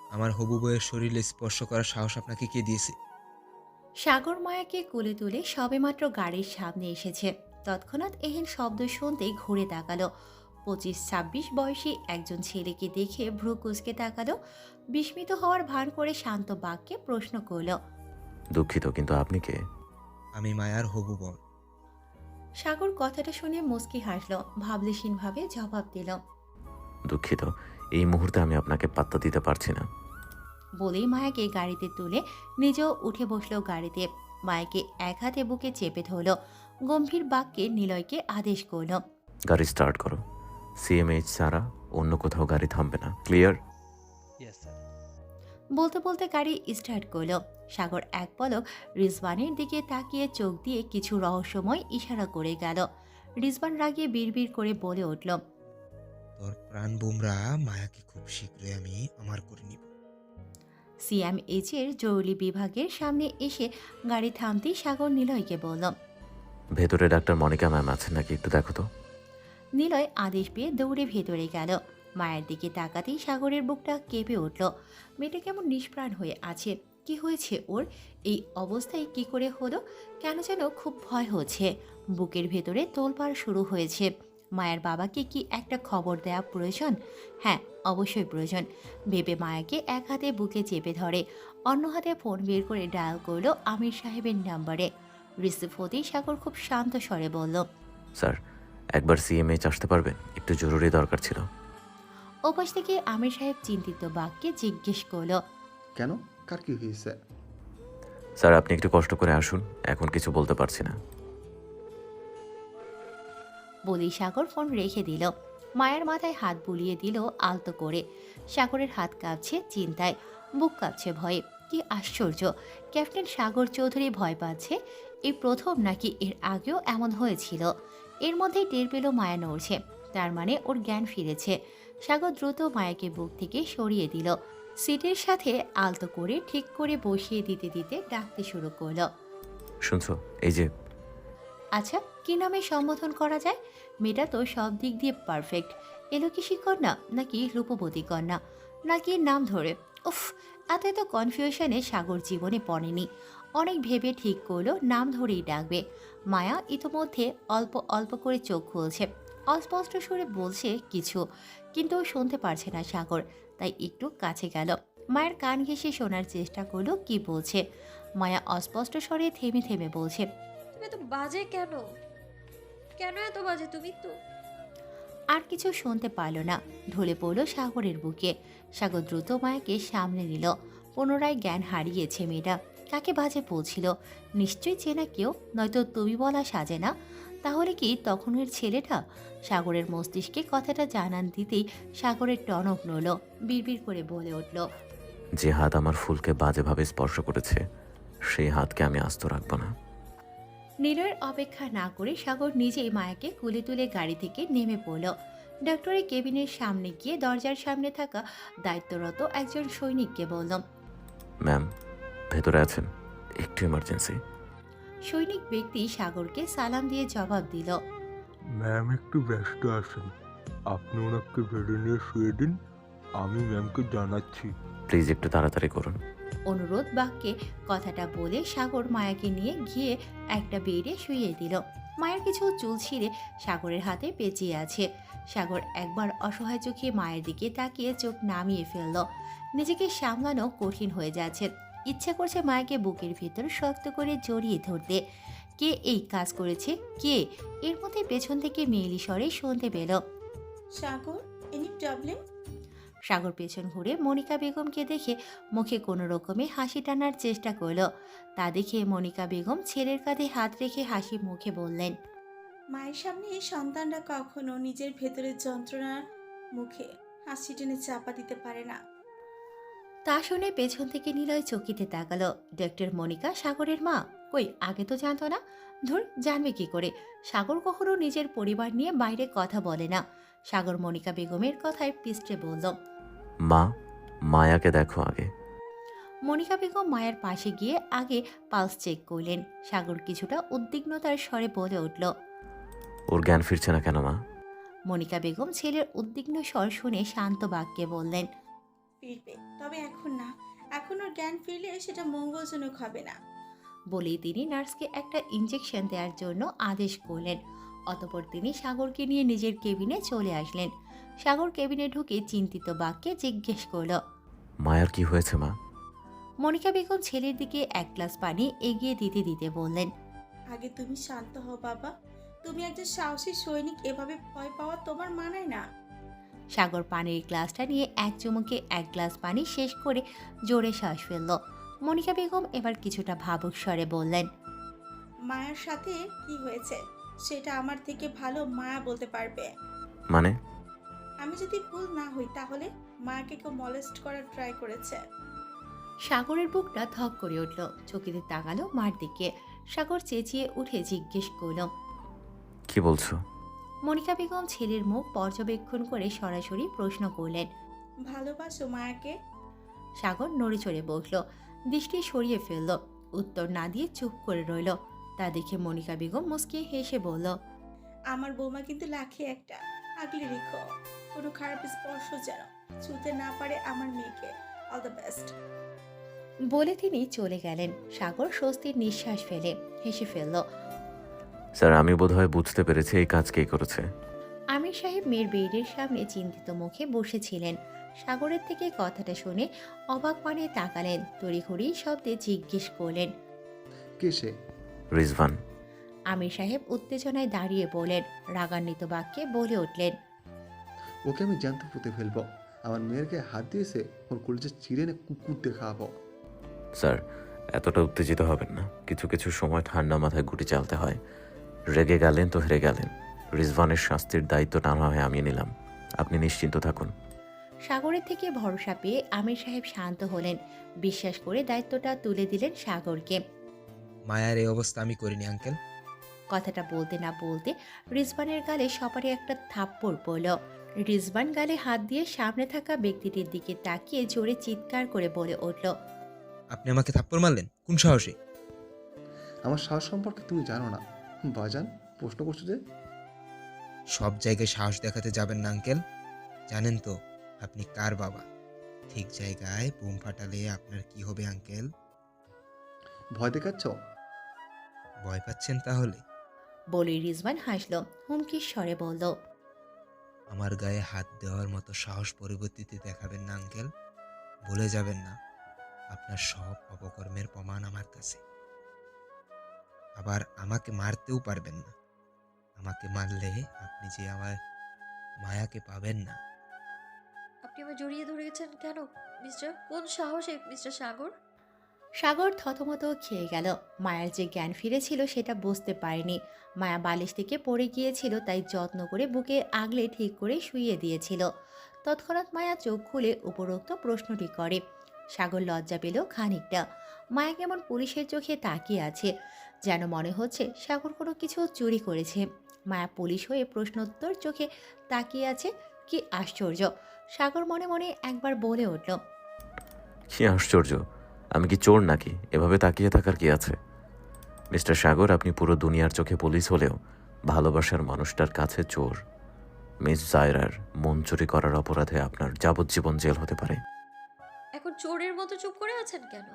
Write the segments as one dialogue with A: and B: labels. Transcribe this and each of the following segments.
A: আমার হবু বউয়ের শরীরে স্পর্শ করার সাহস আপনাকে কে দিয়েছে?
B: সাগর মায়াকে কোলে তুলে সবেমাত্র গাড়ির সামনে এসেছে। তৎক্ষণাৎ এহেন শব্দ শুনতেই ঘুরে তাকালো। 25-26 বয়সী একজন ছেলেকে দেখে ভ্রু কুঁচকে তাকালো। বিস্মিত হওয়ার ভান করে শান্ত বাক্যে প্রশ্ন করল।
C: দুঃখিত, কিন্তু আপনি কে?
A: আমি মায়ার হবু বর।
B: সাগর কথাটা শুনে মুচকি হাসল, ভাবলেশীনভাবে জবাব দিল।
C: দুঃখিত, এই মুহূর্তে আমি আপনাকে পাত্তা দিতে পারছি না।
B: বলেই মায়াকে গাড়িতে তুলে নিজেও উঠে বসলো গাড়িতে। মায়াকে এক হাতে বুকে চেপে ধরল, গম্ভীর বাক্যে নিলয়কে আদেশ করল।
C: গাড়ি স্টার্ট করো। সিএমএইচ ছাড়া অন্য কোথাও গাড়ি থামবে না, ক্লিয়ার?
D: Yes sir.
B: বলতে বলতে গাড়ি স্টার্ট করলো। সাগর এক পলক রিজওয়ানের দিকে তাকিয়ে চোখ দিয়ে কিছু রহস্যময় ইশারা করে গেল। রিজওয়ান রাগিয়ে বিড়বিড় করে বলে উঠল।
A: তোর প্রাণ বুমরা মায়াকে খুব শীঘ্রই আমি আমার করে নিব।
B: সিএমএইচ এর জরুরি বিভাগের সামনে এসে গাড়ি থামতেই সাগর নিলয়কে বলল।
C: ভেতরে ডাক্তার মনিকা ম্যাম আছেন নাকি, একটু দেখো তো।
B: নিলয় আদেশ পেয়ে দৌড়ে ভেতরে গেল। মায়ের দিকে তাকাতেই সাগরের বুকটা কেঁপে উঠল। মেয়েটা কেমন নিষ্প্রাণ হয়ে আছে। কি হয়েছে ওর? এই অবস্থায় কি করে হলো? কেন যেন খুব ভয় হচ্ছে। বুকের ভেতরে তোলপাড় শুরু হয়েছে। মায়ের বাবাকে কি একটা খবর দেওয়া প্রয়োজন? হ্যাঁ, অবশ্যই প্রয়োজন। ভেবে মায়াকে এক হাতে বুকে চেপে ধরে, অন্য হাতে ফোন বের করে ডায়াল করলো আমির সাহেবের নাম্বারে। রিসিভ হতেই সাগর খুব শান্ত স্বরে বলল।
C: স্যার, একবার সিএমএইচ আসতে পারবেন? একটু জরুরি দরকার ছিল।
B: ওপাশ থেকে আমির সাহেব চিন্তিত বাক্যে জিজ্ঞেস করলো।
E: কেন? কার কি হয়েছে?
C: স্যার, আপনি একটু কষ্ট করে আসুন, এখন কিছু বলতে পারছি না।
B: বলেই সাগর ফোন রেখে দিল। মায়ের মাথায় হাত বুলিয়ে দিল আলতো করে। সাগরের হাত কাঁপছে চিন্তায়, বুক কাঁপছে ভয়ে। কি আশ্চর্য, ক্যাপ্টেন সাগর চৌধুরী ভয় পাচ্ছে। এই প্রথম নাকি এর আগেও এমন হয়েছিল? এর মধ্যেই টের পেল মায়া নড়ছে, তার মানে ওর জ্ঞান ফিরেছে। সাগর দ্রুত মায়াকে বুক থেকে সরিয়ে দিল। সিটের সাথে আলতো করে ঠিক করে বসিয়ে দিতে দিতে ডাকতে শুরু করলো।
C: শুনছো? এই যে।
B: আচ্ছা, কি নামে সম্বোধন করা যায়? মেয়েটা তো সব দিক দিয়ে পারফেক্ট। এলোকেশী কন্যা নাকি রূপবতী কন্যা, নাকি নাম ধরে? উফ, এত এত কনফিউশনে সাগর জীবনে পড়েনি। অনেক ভেবে ঠিক করলো নাম ধরেই ডাকবে। মায়া ইতোমধ্যে অল্প অল্প করে চোখ খুলছে। অস্পষ্ট সুরে বলছে কিছু, কিন্তু শুনতে পারছে না সাগর। তাই একটু কাছে গেল, মায়ের কান ঘেঁষে শোনার চেষ্টা করলো কি বলছে। মায়া অস্পষ্ট স্বরে থেমে থেমে বলছে।
F: তুমি এত বাজে কেন? কেন এত বাজে তুমি তো?
B: আর কিছু শুনতে পারল না, ঢলে পড়ল সাগরের বুকে। সাগর দ্রুত মায়াকে সামনে নিল। পুনরায় জ্ঞান হারিয়েছে মেয়েটা। কাকে বাজে পৌঁছিল? নিশ্চয়ই চেনা কেউ, নয়তো তুমি বলা সাজে না। তাহলে কি তখনের ছেলেটা? সাগরের মস্তিষ্কে কথাটা জানান দিতেই সাগরের টনক নড়ল, বিড়বিড় করে বলে উঠল।
C: যে হাত আমার ফুলকে বাজেভাবে স্পর্শ করেছে, সেই হাতকে আমি আস্ত রাখবো না।
B: নিলয়ের অপেক্ষা না করে সাগর নিজেই মায়াকে কুলে তুলে গাড়ি থেকে নেমে পড়ল। ডক্টরের কেবিনের সামনে গিয়ে দরজার সামনে থাকা দায়িত্বরত একজন সৈনিককে বলল।
C: ম্যাম, ভেতরে আছেন? একটু ইমার্জেন্সি।
B: সৈনিক ব্যক্তি সাগরকে সালাম দিয়ে জবাব দিল।
G: ম্যাম একটু ব্যস্ত আছেন, আপনি ওনাকে বেডে নিয়ে শুয়ে দিন, আমি ম্যামকে জানাচ্ছি।
C: প্লিজ একটু তাড়াতাড়ি করুন।
B: অনুরোধ বাক্যে কথাটা বলে সাগর মায়াকে নিয়ে গিয়ে একটা বেডে শুইয়ে দিল। মায়ের কিছু চুল ছিঁড়ে সাগরের হাতে পেঁচিয়ে আছে। সাগর একবার অসহায় চোখে মায়ের দিকে তাকিয়ে চোখ নামিয়ে ফেলল। নিজেকে সামলানো কঠিন হয়ে যাচ্ছে। ইচ্ছা করছে মায়াকে বুকের ভিতর শক্ত করে জড়িয়ে ধরতে। কে এই কাজ করেছে? কে? এর মধ্যে পেছন থেকে মেয়েলি স্বরে শুনতে পেল।
H: সাগর, এনি প্রবলেম?
B: সাগর পেছন ঘুরে মনিকা বেগমকে দেখে মুখে কোনো রকমে হাসি টানার চেষ্টা করলো। তা দেখে মনিকা বেগম ছেলের কাঁধে হাত রেখে হাসি মুখে বললেন।
H: মায়ের সামনে সন্তানরা কখনো নিজের ভেতরের যন্ত্রণার মুখে হাসি টেনে চাপা দিতে পারে না।
B: তা শুনে পেছন থেকে নিলয় চকিতে তাকালো। ডক্টর মনিকা সাগরের মা? কই, আগে তো জানতো না। ধুর, জানবে কি করে? সাগর কখনো নিজের পরিবার নিয়ে বাইরে কথা বলে না। সাগর মনিকা বেগমের কথায় পিষ্টে বলল।
C: মা, মায়াকে দেখো আগে।
B: মনিকা বেগম মায়ের পাশে গিয়ে আগে পালস চেক করলেন। সাগর কিছুটা উদ্বিগ্নতার স্বরে বলে উঠল।
C: ওর জ্ঞান ফিরছে না কেন মা?
B: মনিকা বেগম ছেলের উদ্বিগ্ন স্বর শুনে শান্ত বাক্যে বললেন।
H: ফিরবে, তবে এখন না। এখন ওর জ্ঞান ফিরলে সেটা মঙ্গলজনক হবে না।
B: বলেই তিনি নার্সকে একটা ইঞ্জেকশন দেওয়ার জন্য আদেশ করলেন। অতঃপর তিনি সাগরকে নিয়ে নিজের কেবিনে চলে আসলেন। সাগর কেবিনে ঢুকে চিন্তিত বাক্যে জিজ্ঞেস করল।
C: মায়ার কি হয়েছে মা?
B: মনিকা বেগম ছেলের দিকে এক গ্লাস পানি এগিয়ে দিতে দিতে বললেন।
H: আগে তুমি শান্ত হও বাবা। তুমি একজন সাহসী সৈনিক, এভাবে ভয় পাওয়া তোমার মানায় না।
B: সাগর পানির গ্লাসটা নিয়ে এক চুমুকে এক গ্লাস পানি শেষ করে জোরে শ্বাস ফেলল। মনিকা বেগম এবার কিছুটা ভাবুক স্বরে বললেন।
H: মায়ের সাথে কি হয়েছে সেটা আমার থেকে ভালো মায়া বলতে পারবে।
C: মানে?
H: আমি যদি ভুল না হই তাহলে মায়াকে কেউ মলেস্ট করার ট্রাই করেছে।
B: সাগরের বুকটা ধক করে উঠল। চকিতে তাকালো মার দিকে। সাগর চেঁচিয়ে উঠে জিজ্ঞেস করল।
C: কি বলছো?
B: মনিকা বেগম ছেলের মুখ পর্যবেক্ষণ করে সরাসরি প্রশ্ন করলেন।
H: ভালোবাসো মায়াকে?
B: সাগর নড়ে চড়ে বসল, দৃষ্টি সরিয়ে ফেলল। উত্তর না দিয়ে চুপ করে রইল। তা দেখে মনিকা বেগম মুচকি হেসে বলল।
H: আমার বৌমা কিন্তু লাখে একটা। আগলে রেখো, কোনো খারাপ স্পর্শ যেন ছুঁতে না পারে আমার মেয়েকে। All the best.
B: বলে তিনি চলে গেলেন। সাগর স্বস্তির নিঃশ্বাস ফেলে হেসে ফেলল।
C: স্যার, আমি বোধহয় বুঝতে পেরেছি এই কাজ কে করেছে।
B: আমির সাহেব মেয়ের বেডের সামনে চিন্তিত মুখে বসেছিলেন। সাগরের থেকে কথাটা শুনে অবাক পানে তাকালেন। তড়িঘড়ি শব্দে জিজ্ঞেস করলেন।
E: কে সে?
C: রিজভান।
B: আমির সাহেব উত্তেজনায় দাঁড়িয়ে বলেন। রাগান্বিত বাক্যে বলে উঠলেন।
E: ওকে আমি জ্যান্ত পুঁতে ফেলবো। আমার মেয়ের গায়ে হাত দিয়েছে, ওর কলেজে চিড়ে এনে কুকুর দেখাবো।
C: স্যার, এতটা উত্তেজিত হবেন না। কিছু কিছু সময় ঠান্ডা মাথায় গুটি চালতে হয়। রেগে গেলেন তো হেরে গেলেন। রিজভানের শাস্তির দায়িত্বটা না হয় আমি নিলাম। আপনি নিশ্চিন্ত থাকুন।
B: সাগরের থেকে ভরসা পেয়ে আমির সাহেব শান্ত হলেন। বিশ্বাস করে দায়িত্বটা তুলে দিলেন সাগরকে।
A: মায়ার এই অবস্থা আমি করিনি আঙ্কেল।
B: কথাটা বলতে না বলতে রিজবানের গালে সপারে একটা থাপ্পড় পড়ল। রিজবান গালে হাত দিয়ে সামনে থাকা ব্যক্তিটির দিকে তাকিয়ে জোরে চিৎকার করে বলে উঠল।
A: আপনি আমাকে থাপ্পড় মারলেন কোন সাহসে?
E: আমার সাহস সম্পর্কে তুমি জানো না বাজান, প্রশ্ন করছো যে?
A: সব জায়গায় সাহস দেখাতে যাবেন না আঙ্কেল। জানেন তো আপনি কার বাবা। ঠিক জায়গায় বোম ফাটালে আপনার কি হবে আঙ্কেল?
E: ভয় দেখাচ্ছ?
A: ভয় পাচ্ছেন তাহলে?
B: বলে রিজবান হাসল, হুমকির স্বরে বলল।
A: আমার গায়ে হাত দেওয়ার মতো সাহস পরবর্তীতে দেখাবেন না আঙ্কেল। ভুলে যাবেন না আপনার সব অপকর্মের প্রমাণ আমার কাছে। আবার আমাকে মারতেও পারবেন না। আমাকে মারলে আপনি যে আমার মায়াকে পাবেন না।
F: আপনি আমার জড়িয়ে ধরেছেন কেন মিস্টার? কোন সাহসে মিস্টার সাগর?
B: সাগর থতমত খেয়ে গেল। মায়ার যে জ্ঞান ফিরেছিল সেটা বুঝতে পারেনি। মায়া বালিশ থেকে পড়ে গিয়েছিল, তাই যত্ন করে বুকে আগলে ঠিক করে শুইয়ে দিয়েছিল। তৎক্ষণাৎ মায়া চোখ খুলে উপরোক্ত প্রশ্নটি করে। সাগর লজ্জা পেল খানিকটা। মায়া কেমন পুলিশের চোখে তাকিয়ে আছে, যেন মনে হচ্ছে সাগর কোনো কিছু চুরি করেছে। মায়া পুলিশ হয়ে প্রশ্নোত্তর চোখে তাকিয়ে আছে। কি আশ্চর্য! সাগর মনে মনে একবার বলে উঠল।
C: কি আশ্চর্য! আমি কি চোর নাকি? এভাবে তাকিয়ে থাকার কি আছে? মিস্টার সাগর, আপনি পুরো দুনিয়ার চোখে পুলিশ হলেও ভালোবাসার মানুষটার কাছে চোর। মিস জায়রার মন চুরি করার অপরাধে আপনার যাবজ্জীবন জেল হতে পারে।
F: এখন চোরের মতো চুপ করে আছেন কেন?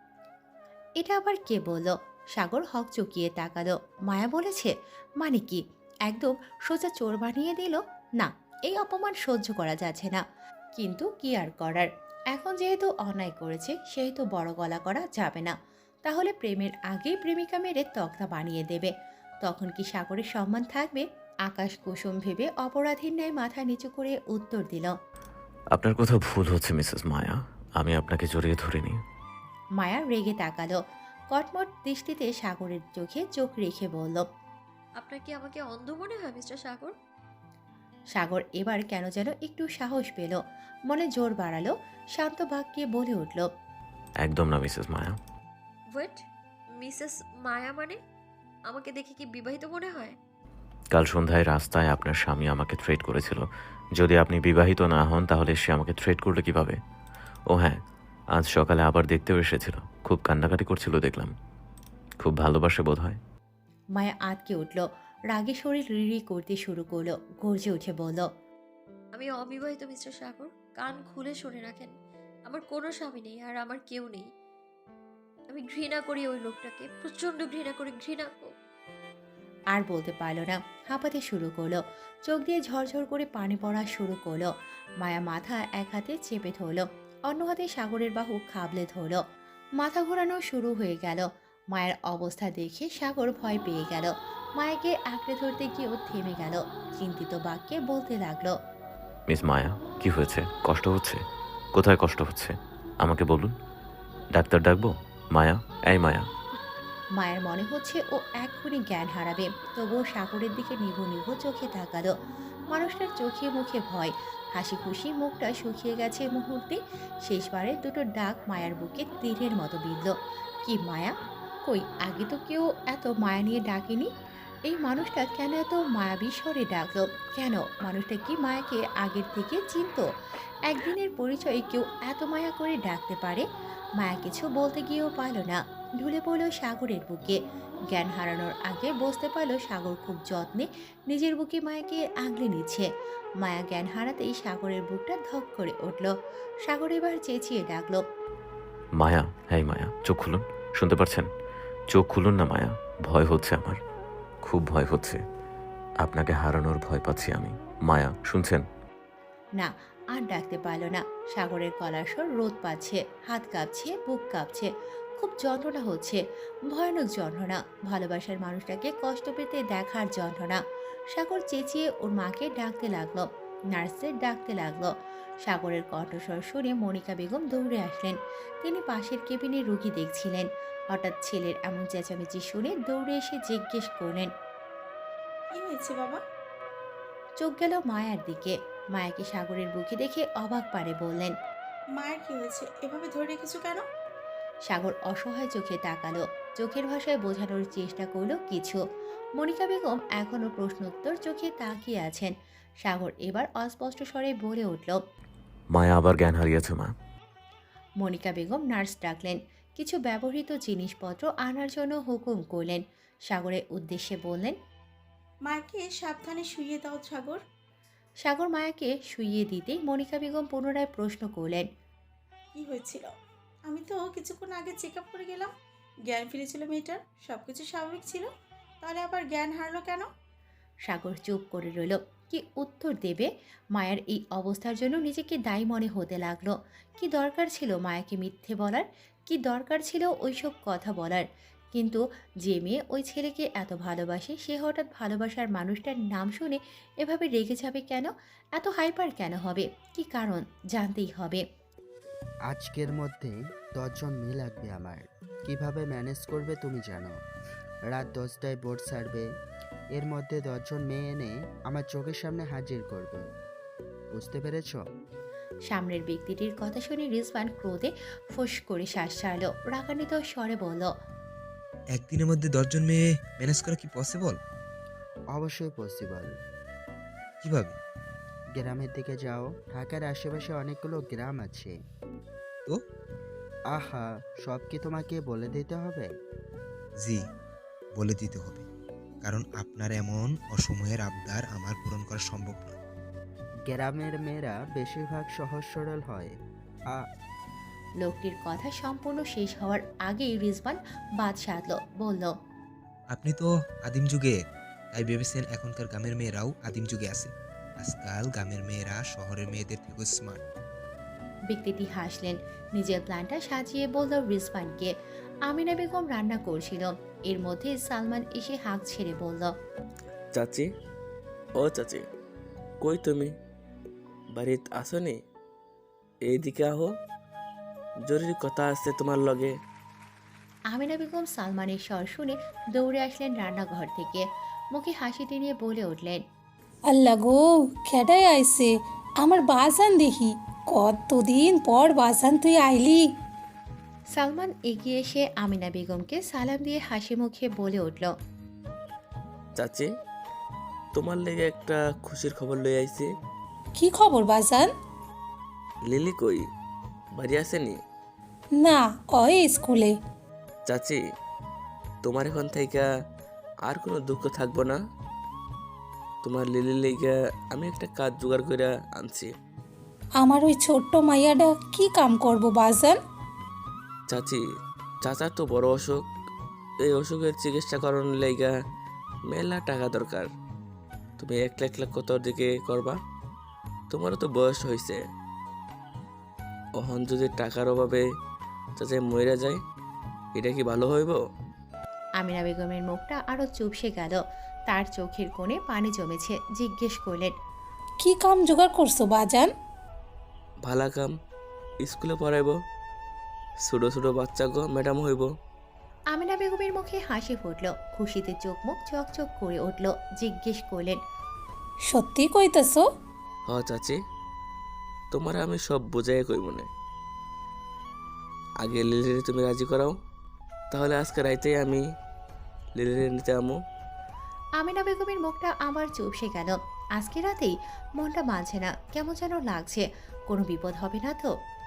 B: এটা আবার কে বলল? সাগর হক চকিয়ে তাকালো। মায়া বলেছে মানে কি? একদম সোজা চোর বানিয়ে দিল। না, এই অপমান সহ্য করা যাচ্ছে না। কিন্তু কি আর করার, এখন যেহেতু অন্যায় করেছে সেহেতু বড় গলা করা যাবে না। তাহলে প্রেমের আগেই প্রেমিকা মেরে তক্তা বানিয়ে দেবে। তখন কি সাগরের সম্মান থাকবে? আকাশ কুসুম ভেবে অপরাধীর ন্যায় মাথা নিচু করে উত্তর দিল।
C: আপনার কথা ভুল হচ্ছে মিসেস মায়া। আমি আপনাকে জড়িয়ে ধরিনি।
B: মায়া রেগে তাকালো। কটমট দৃষ্টিতে সাগরের চোখে চোখ রেখে বলল।
F: আপনার কি আমাকে অন্ধ মনে হয় মিস্টার সাগর?
B: সাগর এবার কেন যেন একটু সাহস পেল, মনে জোর বাড়ালো, শান্ত বাক্যে বলে উঠল।
C: একদম না Mrs Maya.
F: Wait, Mrs Maya মানে? আমাকে দেখে কি বিবাহিত মনে হয়?
C: কাল সন্ধ্যায় রাস্তায় আপনার স্বামী আমাকে থ্রেট করেছিল। যদি আপনি বিবাহিত না হন তাহলে সে আমাকে থ্রেট করলে কিভাবে? ও হ্যাঁ, আজ সকালে আবার দেখতেও এসেছিল। খুব কান্নাকাটি করছিল দেখলাম। খুব ভালোবাসে বোধ হয়।
B: মায়া আটকে উঠল। রাগে শরীর রিড়ি করতে শুরু করলো। গর্জে উঠে বলল।
F: আমি অবিবাহিত মিস্টার সাগর, কান খুলে শুনে রাখেন। আমার কোনো স্বামী নেই আর আমার কেউ নেই। আমি ঘৃণা করি ওই লোকটাকে, প্রচন্ড ঘৃণা করি,
B: আর বলতে পারল না, হাঁপাতে শুরু করলো। চোখ দিয়ে ঝরঝর করে পানি পড়া শুরু করলো। মায়া মাথা এক হাতে চেপে ধরলো, অন্য হাতে সাগরের বাহু খাবলে ধরলো। মাথা ঘোরানো শুরু হয়ে গেল। মায়ের অবস্থা দেখে সাগর ভয় পেয়ে গেল। মায়াকে আঁকড়ে ধরতে গিয়েও থেমে গেল। চিন্তিত বাক্যে বলতে লাগলো,
C: মিস মায়া, কি হয়েছে? কষ্ট হচ্ছে? কোথায় কষ্ট হচ্ছে আমাকে বলুন, ডাক্তার ডাকবো? মায়া, এই মায়া।
B: মায়ের মনে হচ্ছে ও এক্ষুনি জ্ঞান হারাবে, তবুও সাগরের দিকে নিভু নিভু চোখে তাকালো। মানুষটার চোখে মুখে ভয়, হাসি খুশি মুখটা শুকিয়ে গেছে মুহূর্তে। শেষবারে দুটো ডাক মায়ার বুকে তীরের মতো বিঁধল। কি মায়া? কই, আগে তো কেউ এত মায়া নিয়ে ডাকেনি। এই মানুষটা কেন এত মায়াবী স্বরে ডাকলো? কেন? মানুষটা কি মায়াকে আগের থেকে চিনতো? একদিনের পরিচয়ে কেউ এত মায়া করে ডাকতে পারে? মায়া কিছু বলতে গিয়েও পারল না, ঢুলে পড়ল সাগরের বুকে। জ্ঞান হারানোর আগে বুঝতে পারল সাগর খুব যত্নে নিজের বুকে মায়াকে আগলে নিচ্ছে। মায়া জ্ঞান হারাতেই সাগরের বুকটা ধক করে উঠল। সাগর এবার চেঁচিয়ে ডাকলো,
C: মায়া, হ্যাঁ মায়া, চোখ খুলুন। শুনতে পারছেন? চোখ খুলুন না মায়া, ভয় হচ্ছে আমার, খুব ভয় হচ্ছে। আপনাকে হারানোর ভয় পাচ্ছি আমি। মায়া, শুনছেন?
B: না, আর ডাকতে পারল না। সাগরের গলার স্বর রোদ পাচ্ছে, হাত কাঁপছে, বুক কাঁপছে, খুব যন্ত্রণা হচ্ছে, ভয়ানক যন্ত্রণা, ভালোবাসার মানুষটাকে কষ্ট পেতে দেখার যন্ত্রণা। সাগর চেঁচিয়ে ওর মাকে ডাকতে লাগলো, নার্সদের ডাকতে লাগলো। সাগরের কণ্ঠস্বর শুনে মনিকা বেগম দৌড়ে আসলেন। তিনি পাশের কেবিনে রুগী দেখছিলেন। হঠাৎ ছেলের এমন চেঁচামেচি শুনে দৌড়ে এসে জিজ্ঞেস করলেন,
H: কি হয়েছে বাবা?
B: চোখ গেল মায়ার দিকে। মায়াকে সাগরের বুকে দেখে অবাক পারে বললেন,
H: মায়ের কি হয়েছে? এভাবে ধরে রেখেছো কেন?
B: সাগর অসহায় চোখে তাকালো, চোখের ভাষায় বোঝানোর চেষ্টা করলো কিছু। মনিকা বেগম এখনো প্রশ্নোত্তর চোখে তাকিয়ে আছেন। সাগর এবার অস্পষ্ট স্বরে বলে উঠল।
C: মায়া আবার জ্ঞান হারিয়েছে মা।
B: মনিকা বেগম নার্স ডাকলেন, কিছু ব্যবহৃত জিনিসপত্র আনার জন্য হুকুম করলেন। সাগরের উদ্দেশ্যে বললেন,
H: মাকে সাবধানে শুইয়ে দাও সাগর।
B: সাগর মায়াকে শুইয়ে দিতেই মনিকা বেগম পুনরায় প্রশ্ন করলেন,
H: কি হয়েছিল? আমি তো কিছুক্ষণ আগে চেক আপ করে গেলাম, জ্ঞান ফিরেছিল মেয়েটার, সব কিছু স্বাভাবিক ছিল, তাহলে আবার জ্ঞান হারলো কেন?
B: সাগর চুপ করে রইল। কি উত্তর দেবে? মায়ের এই অবস্থার জন্য নিজেকে দায়ী মনে হতে লাগলো। কি দরকার ছিল মায়াকে মিথ্যে বলার? কি দরকার ছিল ওইসব কথা বলার? কিন্তু যে মেয়ে ওই ছেলেকে এত ভালোবাসে, সে হঠাৎ ভালোবাসার মানুষটার নাম শুনে এভাবে রেগে যাবে কেন? এত হাইপার কেন হবে? কি কারণ? জানতেই হবে।
D: আজকের মধ্যে 10 জন মেয়ে লাগবে আমার। কিভাবে ম্যানেজ করবে তুমি জানো। রাত 10টায় বোর্ড ছাড়বে, এর মধ্যে 10 জন মেয়ে এনে আমার চোখের সামনে হাজির করবে। বুঝতে পেরেছ?
B: সামনের ব্যক্তিটির কথা শুনে রিজওয়ান ক্রোধে ফোঁস করে শ্বাস ছাড়ল, রাগান্বিত স্বরে বলল,
A: একদিনের মধ্যে 10 জন মেয়ে ম্যানেজ করা কি পসিবল?
D: অবশ্যই পসিবল।
A: কিভাবে?
D: গ্রামের দিকে যাও, ঢাকার আশেপাশে অনেকগুলো গ্রাম আছে।
A: তো?
D: আহা, সব কি তোমাকে বলে দিতে হবে?
A: জি, বলে দিতে হবে, কারণ আপনার এমন অসময়ের আবদার আমার পূরণ করা সম্ভব নয়।
D: গ্রামের মেয়েরা বেশিরভাগ সহজ সরল হয়।
B: লোকটির কথা সম্পূর্ণ শেষ হওয়ার আগেই রিজওয়ান বাদ সাধল, বলল,
A: আপনি তো আদিম যুগে, তাই ভেবেছেন এখনকার গ্রামের মেয়েরাও আদিম যুগে আছে। আজকাল গ্রামের মেয়েরা শহরের মেয়েদের থেকে স্মার্ট।
B: ব্যক্তিটি হাসলেন, নিজের প্ল্যানটা সাজিয়ে বলল রিজওয়ানকে। আমিনা বেগম রান্না করছিল, এর মধ্যে সালমান এসে হাঁক ছেড়ে বলল,
I: চাচি, ও চাচি, কই তুমি? বাড়িত আসনি? এইদিকে আহো, জরুরি কথা আছে তোমার লগে।
B: আমিনা বেগম সালমানের স্বর শুনে দৌড়ে আসলেন রান্নাঘর থেকে। মুখে হাসি টেনে বলে উঠলেন,
J: আল্লাহ গো, খেডাই আইছে আমার বাজান দেখি, কতদিন পর বাজান তুই আইলি।
B: সালমান এগিয়ে এসে আমিনা বেগমকে সালাম দিয়ে হাসি মুখে বলে উঠল,
I: চাচি, তোমার লেগে একটা খুশির খবর লই আইছি।
J: কি খবর বাজান?
I: লিলি কই? বাড়ি আসেনি?
J: না, ওই স্কুলে।
I: চাচি, তোমার এখন থেকে আর কোনো দুঃখ থাকবো না। তোমার লিলির লেগে আমি একটা কাজ জোগাড় করে আনছি।
J: আমার ওই ছোট্ট মাইয়াটা কি কাম করব বাজান?
I: চাচি, চাচার তো বড় অসুখ। এই অসুখের চিকিৎসা করানোর লাইগা মেলা টাকা দরকার। তুমি একলা একলা কত দিকে করবা? তোমারও তো বয়স হয়েছে। অহন যদি টাকার অভাবে চাচা মইরা যায়, এটা কি ভালো হইব?
B: আমিনা বেগমের মুখটা আরো চুপসে গেল। তার চোখের কোণে পানি জমেছে। জিজ্ঞেস করলেন,
J: কি কাম জোগাড় করছো বাজান?
I: ভালা কাম, স্কুলে পড়াইব, ছোট ছোট বাচ্চা গো ম্যাডাম হইব।
B: আমিনা বেগমের মুখে হাসি ফুটল। খুশিতে চোখ মুখ চকচক করে উঠল। জিজ্ঞেস করলেন,
J: সত্যি কইতেছো?
I: হ চাচি, তোমার আমি সব বোঝাই কই মনে। আগে লিলিরে তুমি রাজি করাও, তাহলে আজকে রাইতেই আমি লিলিরে নিতে আমো।
B: আমিনা বেগমের মুখটা আবার চুপসে গেল। আজকে রাতেই মনটা মানছে না, কেমন যেন লাগছে। কোনো বিপদ হবে না তো?